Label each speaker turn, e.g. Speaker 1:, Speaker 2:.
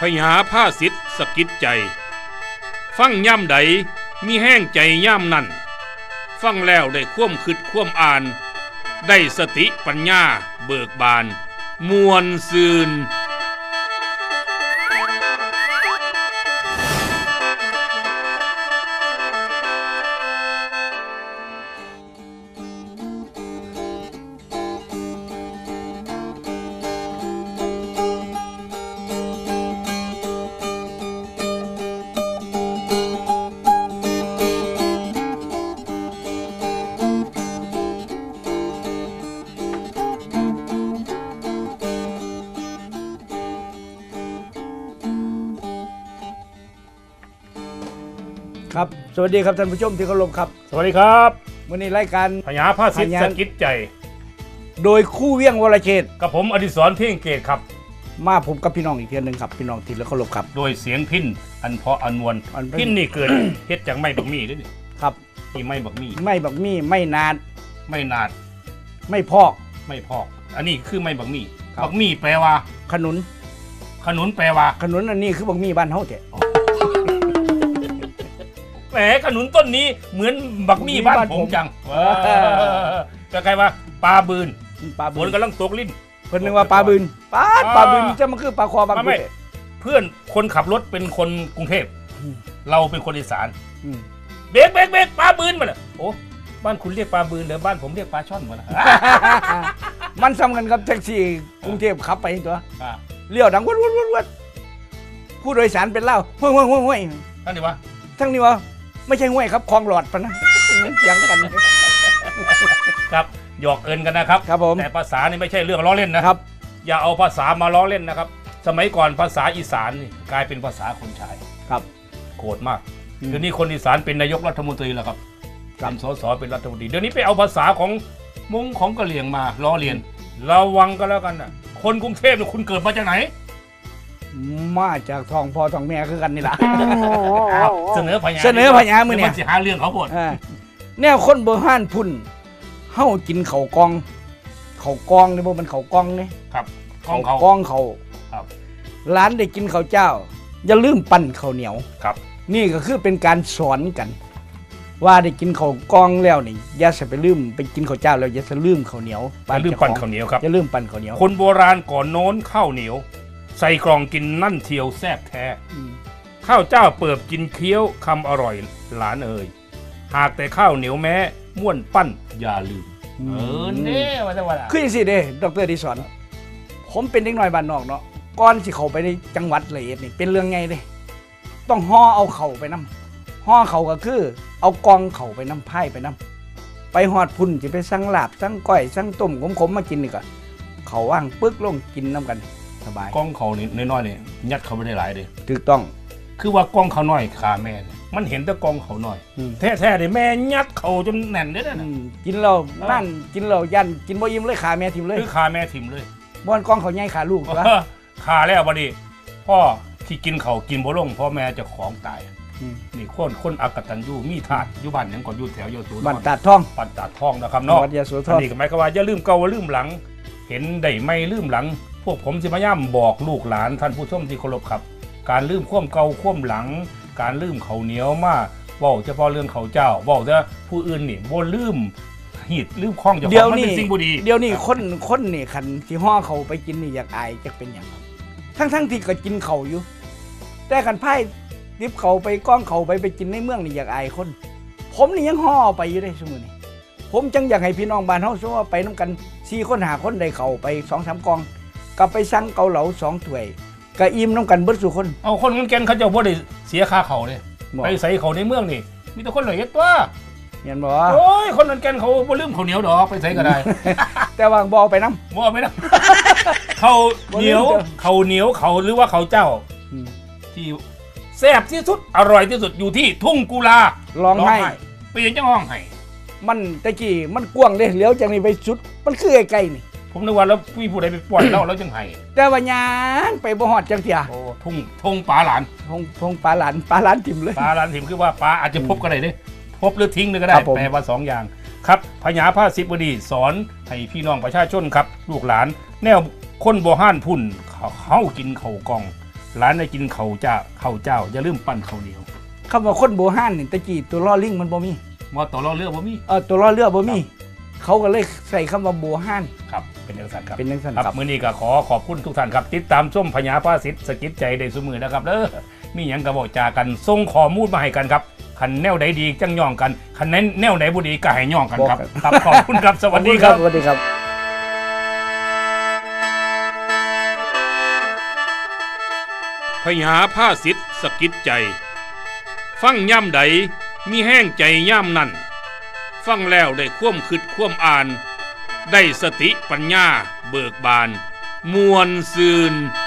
Speaker 1: ญาผ้าสิทธิ์สกิดใจฟังย่ำใดมีแห้งใจย่ำนั่นฟังแล้วได้คว่ำคิดคว่ำอ่านได้สติปัญญาเบิกบานมวลซืน
Speaker 2: ครับสวัสดีครับท่านผู้ชมที่เคารพครับ
Speaker 1: สวัสดีครับ
Speaker 2: วันนี้รายการ
Speaker 1: พญาผ้าสิทธิ์สกิดใจ
Speaker 2: โดยคู่เวียงวรเชษฐ์
Speaker 1: กับผมอดิศรเพ่งเกตครับ
Speaker 2: มาผมกับพี่น้องอีกเทียนึงครับพี่น้องที่เคารพครับ
Speaker 1: โดยเสียงพินอันเพาะอันนวลพินนี่เกิด เฮ็ดจากไม้บักมี่ด้วยนี่
Speaker 2: ครับ
Speaker 1: นี่ไม้บักมี่
Speaker 2: ไม่บักมี่ไม่นาด
Speaker 1: ไม่นาด
Speaker 2: ไม่พอก
Speaker 1: อันนี้คือไม้บักมี่บักมี่แปลว่า
Speaker 2: ขนุน
Speaker 1: แปลว่า
Speaker 2: ขนุนอันนี้คือบักมี่บ้านเฮาแท้
Speaker 1: แหมขนุนต้นนี้เหมือนบักมี่บ้านผมจังก็ใครว่าปลาบืนฝนกำลังตกลิ้น
Speaker 2: เพิ่นนึกว่าปลาบืนปลาบืนจะมันคือปลาคอบาง
Speaker 1: ไม่เพื่อนคนขับรถเป็นคนกรุงเทพเราเป็นคนอีสานเบรกปลาบืนมาเลยโอ้บ้านคุณเรียกปลาบืนหรือบ้านผมเรียกปลาช่อนมาละ
Speaker 2: มันซ้ำกันกับแท็กซี่กรุงเทพขับไปตัวเลี้ยวดังวัดผู้โดยสารเป็นเล่าห้วย
Speaker 1: ทั้งนี้วะ
Speaker 2: ไม่ใช่ห้วยครับคลองหลอดปะนะเสียงกัน
Speaker 1: ครับหยอกเอินกันนะครับ
Speaker 2: ครับผม
Speaker 1: แต่ภาษานี่ไม่ใช่เรื่องล้อเล่นนะครับอย่าเอาภาษามาล้อเล่นนะครับสมัยก่อนภาษาอีสานนี่กลายเป็นภาษาคนชาย
Speaker 2: ครับ
Speaker 1: โกรธมากเดี๋ยวนี้คนอีสานเป็นนายกรัฐมนตรีแล้วครับเป็นสสเป็นรัฐมนตรีเดี๋ยวนี้ไปเอาภาษาของมงของกะเหรี่ยงมาล้อเลียนระวังกันแล้วกันนะคนกรุงเทพเนี่ยคุณเกิดมาจากไหน
Speaker 2: มาจากท้องพ่อท้องแม่คือกันนี่แหละ
Speaker 1: เสนอพญา
Speaker 2: มือเนี่ย
Speaker 1: มันจะหาเรื่องเขาหมด
Speaker 2: แนวคนโบราณพุ่นเฮากินข้าวกองนี่บ่มันข้าวกองนี่
Speaker 1: ครับ
Speaker 2: กองเขา
Speaker 1: ครับ
Speaker 2: ร้านได้กินข้าวเจ้าอย่าลืมปั้นข้าวเหนียว
Speaker 1: ครับ
Speaker 2: นี่ก็คือเป็นการสอนกันว่าได้กินข้าวกองแล้วนี่อย่าไปลืมไปกินข้าวเจ้าแล้วอย่าลืมข้าวเหนียว
Speaker 1: อย่าลืมปั้นข้าวเหนียวครับ
Speaker 2: อย่าลืมปั้นข้าวเหนียว
Speaker 1: คนโบราณก่อนโน้นข้าวเหนียวใส่กล่องกินนั่นเทียวแซ่บแท้ข้าวเจ้าเปิบกินเคี้ยวคำอร่อยหลานเอ่ยหากแต่ข้าวเหนียวแม้ม่วนปั้นอย่าลืมเนี่ยว่าจะว่า
Speaker 2: คืออย่างสิเด้ดร.ดิศรผมเป็นเด็กน้อยบ้านนอกเนาะก่อนสิเข้าไปในจังหวัดละเอียดนี่เป็นเรื่องไงเด้ต้องห่อเอาเข่าไปนำห่อเข่าก็คือเอากองเข่าไปนำไผ่ไปนำไปหอดพุ่นสิไปสั่งลาบสั่งก้อยสั่งต้มขมๆมากินนี่ก็เขาว่างปึ๊กลงกินน้ำกันสบาย
Speaker 1: กล้องเขานี่น้อยๆนี่ยัดเขาไม่ได้หลายเลย
Speaker 2: ถูกต้อง
Speaker 1: คือว่ากล้องเขาน้อยขาแม่มันเห็นแต่กล้องเขาน้อยแท้ๆเลยแม่ยัดเขาจนแน่นเลยนะ
Speaker 2: กินเรานั่นกินเรายันกินบ่อิ่มเลยขาแม่ถิ่มเลย
Speaker 1: คือขาแม่ถิ่มเลย
Speaker 2: บ้านกล้องเขาใหญ่ขาลูกวะ
Speaker 1: ขาแล้วบัดนี้พ่อที่กินเขากินบ่ลงพ่อแม่จะของตายนี่คนอักตันยูมีถาดอยู่บ้านยังก่อนอยู่แถวโยตู
Speaker 2: บ้านตาดท่อง
Speaker 1: นะครับเนาะอันนี้ก็หมายความว่าอย่าลืมเก่าลืมหลังเห็นได้ไม่ลืมหลังพวกผมสิพยายามบอกลูกหลานท่านผู้ชมที่เคารพครับการลืมคว่ำเก่าคว่ำหลังการลืมเขาเหนียวมาเว้าเฉพาะเรื่องเขาเจ้าเว้าแต่ผู้อื่นนี่บ่ลืมหิดลืมคล้องเจ้าของมันเป็นสิ่งบ่ดี
Speaker 2: เดี๋ยวนี้คนนี่คันที่ห่อเขาไปกินนี่อยากอายจักเป็นหยังทั้งที่ก็กินเขาอยู่แต่คันไผ่ดิบเขาไปก้องเขาไปกินในเมืองนี่อยากอายคนผมนี่ยังห่อไปอยู่ได้ซุมื้อนี้ผมจังอยากให้พี่น้องบ้านเฮาซัวไปนำกัน4คน5คนได้เข้าไป 2-3 กองก็ไปสั่งเกาเหลา2ถ้วยก็อิ่มนำกันเบิดซุคน
Speaker 1: เอาคนกันแก่นเขาเจ้าบ่ได้เสียค่าเขาเด้ไปใส่เขาในเมืองนี่มีแต่คนละเฮ็ดตัว
Speaker 2: เห็นบ่
Speaker 1: โอ้ยคนกันแก่นเขาบ่ลืมข้าวเหนียวดอกไปใส่ก็ได้
Speaker 2: แต่ว่าบ่เอาไปนำ
Speaker 1: บ่เอาไปนำข้าวเหนียวเขาหรือว่าเขาเจ้าที่แซ่บที่สุดอร่อยที่สุดอยู่ที่ทุ่งกุลา
Speaker 2: ร้องไห้
Speaker 1: ไปยังจังห้องไห้
Speaker 2: มันตะกี้มันกว้างเด้เลี้ยวจากนี้ไปสุดมันคือไกลๆนี่
Speaker 1: ผมนึกว่าแล้วผู้ใดไปปล่อยแล้วจังไห้
Speaker 2: แต่ว่าย่างไปบ่ฮอดจังเที่ย
Speaker 1: โอ้ทุ่งปลาหลาน
Speaker 2: ทุ่งปลาหลานถิ่มเลย
Speaker 1: ปลาหลานถิ่มคือว่าปลาอาจจะพบก็ได้เด้พบหรือทิ้งเลยก็ได้แปลว่า2อย่างครับพญาผ้าสิบวดีสอนให้พี่น้องประชาชนครับลูกหลานแนวคนโบราณพุ่นเขากินข้าวกองหลานได้กินข้าวเจ้าอย่าลืมปั้นข้าวเหนียว
Speaker 2: คำว่าคนโบราณนี่ตะกี้ตัวล้อลิงมันบ่มี
Speaker 1: ว่าตัวล้อเรือบ่มี
Speaker 2: ตัวล้อเรือบ่มีเขาก็เลยใส่คำว่าโบราณ
Speaker 1: ครับเป็นจังซั่นครับ
Speaker 2: เป็นจังซั่น
Speaker 1: ครับมื้อนี้ก็ขอบคุณทุกท่านครับติดตามชมพญาภาษิตสกิดใจได้ซุมื้อนะครับเด้อมีหยังก็บอกจากันส่งข้อมูลมาให้กันครับคันแนวใดดีจังย่องกันคันแนวไหนบ่ดีก็ให้ย่องกันครับครับขอบคุณครับสวัสดีครับ
Speaker 2: สวัสดีครับ
Speaker 1: พญาภาษิตสกิดใจฟังย่ำใดมีแห้งใจย่ำนั่นฟังแล้วได้คว่ำคิดคว่ำอ่านได้สติปัญญาเบิกบานมวลซืน